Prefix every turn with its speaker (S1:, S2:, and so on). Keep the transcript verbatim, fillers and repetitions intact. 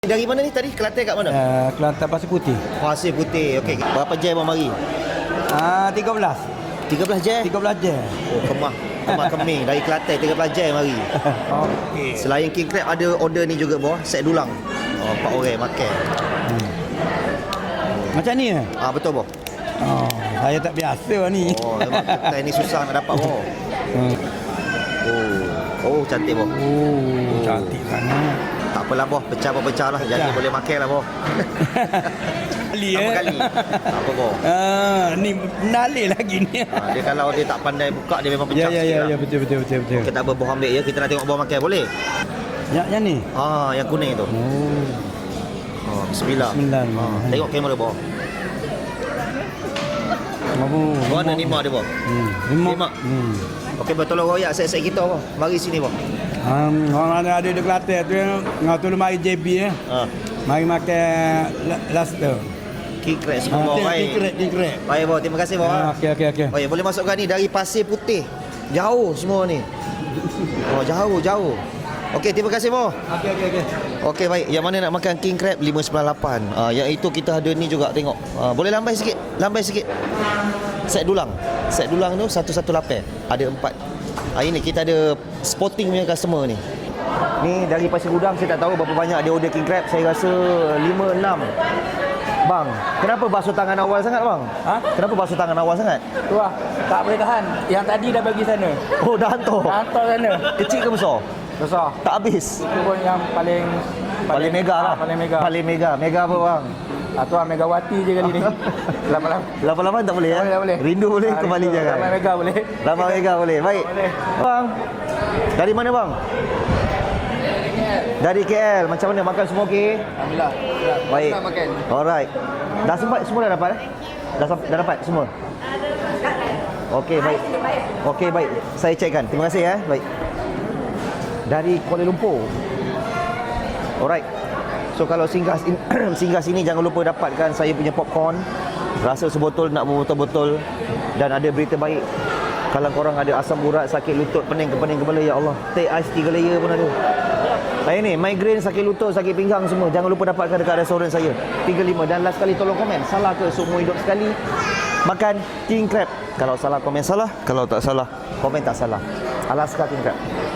S1: Dari mana ni tadi? Kelantan kat mana?
S2: Uh, Kelantan Pasir Putih.
S1: Pasir Putih. Okey. Berapa jam abang mari?
S2: Ah, tiga belas.
S1: tiga belas jam?
S2: tiga belas jam.
S1: Oh, kemah. Kemah keming dari Kelantan tiga belas jam mari.
S2: Okey.
S1: Selain king crab ada order ni juga bawah, set dulang. Oh, empat orang makan.
S2: Hmm. Macam ni eh?
S1: Ah betul boh.
S2: Oh, saya tak biasa ni.
S1: Oh, memang ketai ni susah nak dapat boh.
S2: Hmm.
S1: Oh. Oh, cantik boh.
S2: Oh, cantik sangat.
S1: Tak apalah boh, pecah apa pecah lah. Jadi
S2: Pecah.
S1: boleh makan lah boh.
S2: Kali
S1: Apa
S2: eh?
S1: kali? Tak apa boh.
S2: Ah, ni nalih lagi ni.
S1: Ha, dia kalau dia tak pandai buka dia memang pecah
S2: Ya ya
S1: sikit
S2: ya
S1: lah.
S2: ya betul betul betul betul.
S1: Kita tak apa boh ambil ya, kita nak tengok boh makan boleh?
S2: Yang yang ni.
S1: Ah, yang kuning tu.
S2: Oh.
S1: Oh, bismillah.
S2: Bismillah.
S1: Ah, tengok kamera boh.
S2: Mabu.
S1: Mana lima dia boh?
S2: Hmm. Lima.
S1: Lima.
S2: Hmm.
S1: Okey, boh tolong royak set-set kita boh. Mari sini boh.
S2: Um, orang ada ada di Kelantan tu ngau tu mari J B eh.
S1: Ha.
S2: Mari makan la- last tu.
S1: King crab semua boh. Baik.
S2: Tingkrek tingkrek.
S1: Baik boh, terima kasih boh.
S2: Ah, okey okey okey.
S1: Oh ya, boleh masukkan ni dari Pasir Putih. Jauh semua ni. Oh, jauh, jauh. Okey, terima kasih boh.
S2: Okey okey okey.
S1: Okey, baik. Yang mana nak makan king crab lima sembilan lapan. Ah, yang itu kita ada ni juga tengok. Ah, boleh lambai sikit? Lambai sikit. Set dulang. Set dulang tu satu satu lapan. Ada empat. Ah, ini kita ada spotting punya customer ni. Ni dari Pasir Gudang, saya tak tahu berapa banyak dia order king crab. Saya rasa lima enam. Bang, kenapa basuh tangan awal sangat bang?
S2: Ha?
S1: Kenapa basuh tangan awal sangat?
S2: Tu ah, tak boleh tahan. Yang tadi dah bagi sana.
S1: Oh, dah hantar.
S2: Dah hantar sana.
S1: Kecil ke besar?
S2: Besar.
S1: Tak habis.
S2: Itu pun yang paling
S1: Paling mega lah.
S2: ah, Paling mega.
S1: Paling mega. Mega apa bang?
S2: Ah, tu ah Megawati je kali ni. Lama-lama.
S1: lapan-lapan tak boleh ya?
S2: Tak boleh, tak boleh.
S1: Rindu boleh,
S2: Ah,
S1: kembali
S2: rindu.
S1: jangan.
S2: Ramai mega boleh.
S1: Lama mega boleh. Baik.
S2: Boleh.
S1: Bang. Dari mana bang? Dari K L. Macam mana makan semua okey?
S2: Alhamdulillah.
S1: Baik.
S2: Nak makan.
S1: Alright. Dah sempat semua dah dapat eh? Dah, sam- dah dapat semua? Okey, baik. Okey, baik. Saya cekkan. Terima kasih ya. Baik. Dari Kuala Lumpur. Alright. So kalau singgah singgah sini jangan lupa dapatkan saya punya popcorn. Rasa sebotol nak berbotol-botol. Dan ada berita baik. Kalau korang ada asam urat, sakit lutut, pening ke pening kepala, ya Allah. Teh ais tiga layer pun ada. Saya ni migraine, sakit lutut, sakit pinggang semua. Jangan lupa dapatkan dekat restoran saya. tiga lima. Dan last kali tolong komen. Salah ke seumur hidup sekali makan king crab? Kalau salah komen salah, kalau tak salah komen tak salah. Alaska king crab.